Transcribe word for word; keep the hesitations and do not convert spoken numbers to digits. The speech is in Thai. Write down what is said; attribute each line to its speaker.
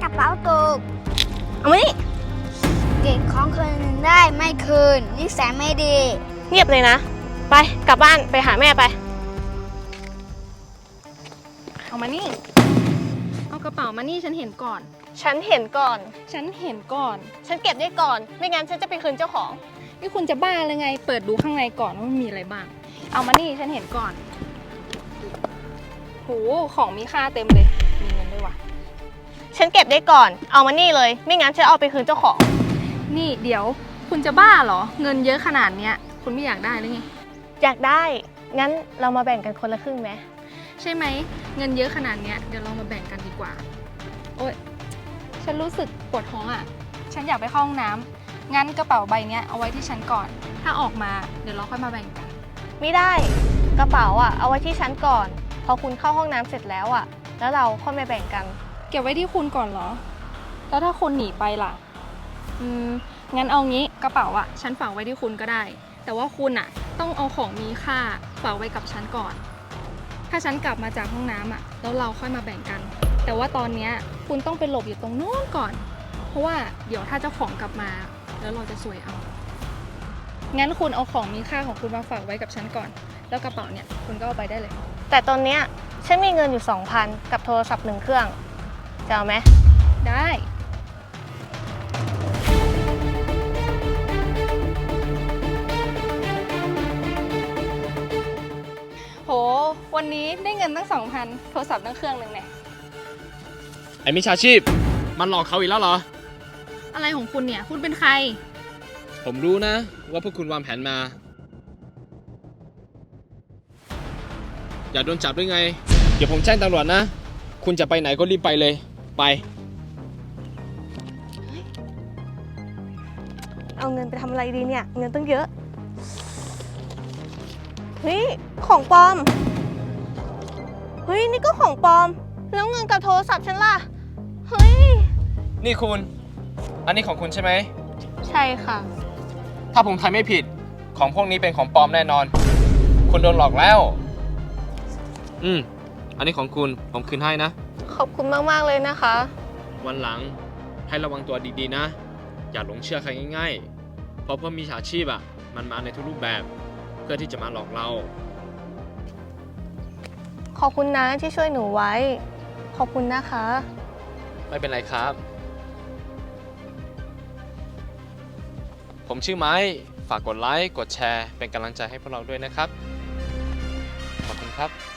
Speaker 1: กระเป๋าตกเอามานี่เก็บของคืนได้ไม่คืนนิสัยไม่ดี
Speaker 2: เงียบเลยนะไปกลับบ้านไปหาแม่ไป
Speaker 3: เอามานี่เอากระเป๋ามานี่ฉันเห็นก่อน
Speaker 2: ฉันเห็นก่อน
Speaker 3: ฉันเห็นก่อน
Speaker 2: ฉันเก็บได้ก่อนไม่งั้นฉันจะไปคืนเจ้าของ
Speaker 3: นี่คุณจะบ้าเลยไงเปิดดูข้างในก่อนว่ามันมีอะไรบ้างเอามานี่ฉันเห็นก่อนโหของมีค่าเต็มเลยมีเงินด้วยวะ
Speaker 2: ฉันเก็บได้ก่อนเอามานี่เลยไม่งั้นฉันเอาไปคืนเจ้าของ
Speaker 3: นี่เดี๋ยวคุณจะบ้าเหรอเงินเยอะขนาดเนี้ยคุณไม่อยากได้หรือไง
Speaker 2: อยากได้งั้นเรามาแบ่งกันคนละครึ่งไหม
Speaker 3: ใช่ไหมเงินเยอะขนาดเนี้ยเดี๋ยวเรามาแบ่งกันดีกว่าโอ๊ยฉันรู้สึกปวดท้องอ่ะฉันอยากไปเข้าห้องน้ำงั้นกระเป๋าใบเนี้ยเอาไว้ที่ฉันก่อนถ้าออกมาเดี๋ยวเราค่อยมาแบ่งกัน
Speaker 2: ไม่ได้กระเป๋าอ่ะเอาไว้ที่ฉันก่อนพอคุณเข้าห้องน้ำเสร็จแล้วอ่ะแล้วเราค่อยมาแบ่งกัน
Speaker 3: เก็บไว้ที่คุณก่อนเหรอแล้วถ้าคุณหนีไปล่ะอืมงั้นเอางี้กระเป๋าอ่ะฉันฝากไว้ที่คุณก็ได้แต่ว่าคุณอ่ะต้องเอาของมีค่าฝากไว้กับฉันก่อนถ้าฉันกลับมาจากห้องน้ำอ่ะแล้วเราค่อยมาแบ่งกันแต่ว่าตอนนี้คุณต้องไปหลบอยู่ตรงโน้นก่อนเพราะว่าเดี๋ยวถ้าเจ้าของกลับมาแล้วเราจะซวยเอางั้นคุณเอาของมีค่าของคุณมาฝากไว้กับฉันก่อนแล้วกระเป๋าเนี่ยคุณก็เอาไปได้เลย
Speaker 2: แต่ตอนเนี้ยฉันมีเงินอยู่ สองพัน กับโทรศัพท์หนึ่งเครื่องจะเอาไหม
Speaker 3: ได้โหวันนี้ได้เงินตั้ง สองพัน โทรศัพท์ตั้งเครื่องหนึ่งเนี่ย
Speaker 4: ไอ้มิจฉาชีพมันหลอกเขาอีกแล้วเหรอ
Speaker 3: อะไรของคุณเนี่ยคุณเป็นใคร
Speaker 4: ผมรู้นะว่าพวกคุณวางแผนมาอย่าโดนจับด้วยไงเดี๋ยวผมแจ้งตำรวจนะคุณจะไปไหนก็รีบไปเลยไป
Speaker 2: เอาเงินไปทำอะไรดีเนี่ยเงินตั้งเยอะเฮ้ยของปลอมเฮ้ยนี่ก็ของปลอมแล้วเงินกับโทรศัพท์ฉันล่ะเฮ้ย
Speaker 4: นี่คุณอันนี้ของคุณใช่ไหม
Speaker 2: ใช่ค่ะ
Speaker 4: ถ้าผมทายไม่ผิดของพวกนี้เป็นของปลอมแน่นอนคุณโดนหลอกแล้วอืมอันนี้ของคุณผมคืนให้นะ
Speaker 2: ขอบคุณมากๆเลยนะคะ
Speaker 4: วันหลังให้ระวังตัวดีๆนะอย่าหลงเชื่อใครง่ายๆเพราะพวกมิจฉาชีพอ่ะมันมาในทุกรูปแบบเพื่อที่จะมาหลอกเรา
Speaker 2: ขอบคุณนะที่ช่วยหนูไว้ขอบคุณนะคะ
Speaker 4: ไม่เป็นไรครับผมชื่อไม้ฝากกดไลค์กดแชร์เป็นกำลังใจให้พวกเราด้วยนะครับขอบคุณครับ